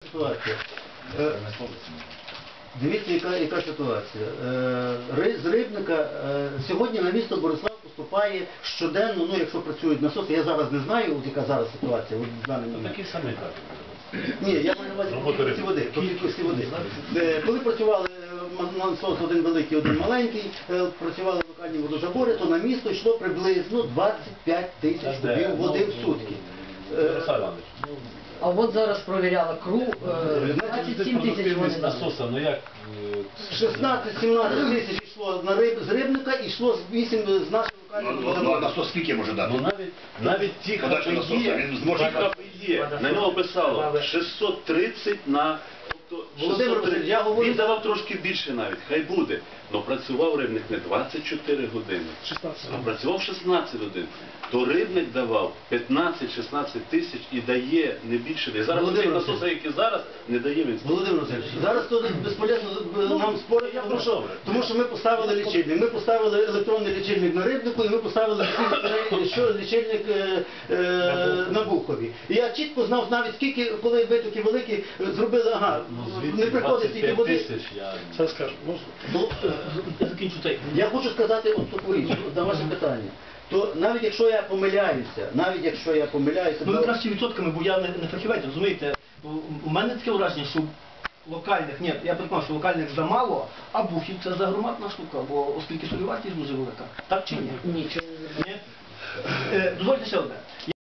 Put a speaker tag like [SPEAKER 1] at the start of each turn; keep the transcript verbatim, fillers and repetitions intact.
[SPEAKER 1] ситуація. Е, Дивіться, яка, яка ситуація. Е, ри- з Рибника е, сьогодні на місто Борислав поступає щоденно, ну якщо працюють насоси, я зараз не знаю, от яка зараз ситуація. От, в даний момент.
[SPEAKER 2] Такі самі кажуть.
[SPEAKER 1] Ні, я маю на увазі по кількості води. По кількості води. Е, Коли працювали е, насос один великий, один маленький, е, працювали локальні водозабори, то на місто йшло приблизно двадцять п'ять тисяч кубів води в сутки. Е,
[SPEAKER 2] Ярослав Іванович, ну,
[SPEAKER 3] А от зараз провіряла КРУ, е, двадцять сім тисяч вони
[SPEAKER 2] з насоса, ну як... е,
[SPEAKER 1] шістнадцять-сімнадцять тисяч йшло на риб, з Рибника і йшло з вісім з нашого локального
[SPEAKER 4] Ну, ну,
[SPEAKER 1] водозабору.
[SPEAKER 4] насос скільки може дати?
[SPEAKER 2] Ну навіть, навіть ті
[SPEAKER 4] Подача насоса,
[SPEAKER 2] ХПЄ,
[SPEAKER 4] він зможе
[SPEAKER 2] ті ХПЄ, на нього писало шістсот тридцять на... тобто
[SPEAKER 1] Володимир
[SPEAKER 2] шістсот тридцять.
[SPEAKER 1] Васильович, я говорю-
[SPEAKER 2] Він давав трошки більше навіть, хай буде. Но працював Рибник не двадцять чотири години, а працював шістнадцять годин. То Рибник давав п'ятнадцять-шістнадцять тисяч і дає не більше. І зараз
[SPEAKER 1] Володимир
[SPEAKER 2] цей
[SPEAKER 1] Васильович.
[SPEAKER 2] насос, який зараз, не дає він.
[SPEAKER 1] Володимир Васильович, зараз то безполезно нам спорити,
[SPEAKER 2] я
[SPEAKER 1] тому
[SPEAKER 2] про
[SPEAKER 1] що,
[SPEAKER 2] що?
[SPEAKER 1] тому що ми поставили лічильник. Ми поставили електронний лічильник на Рибнику і ми поставили лічильник, що лічильник е, е, на Бухові. І я чітко знав навіть скільки, коли витоки великі, зробили, ага, не приходить стільки води.
[SPEAKER 2] тисяч, я...
[SPEAKER 5] Це скажу, можна?
[SPEAKER 1] Ну,
[SPEAKER 5] Я закінчу цей.
[SPEAKER 1] я хочу сказати от таку річ, от на ваше питання. То навіть якщо я помиляюся, навіть якщо я помиляюся,
[SPEAKER 5] Ну ви
[SPEAKER 1] то-
[SPEAKER 5] краще відсотками, бо я не, не фахівець, розумієте? Бо У мене таке враження, що локальних, ні, я переконаний, що локальних замало, а Бухів це загромадна штука, бо оскільки солівартість дуже велика. Так чи ні?
[SPEAKER 3] нічого не
[SPEAKER 5] Ні? Е, дозвольте ще одне.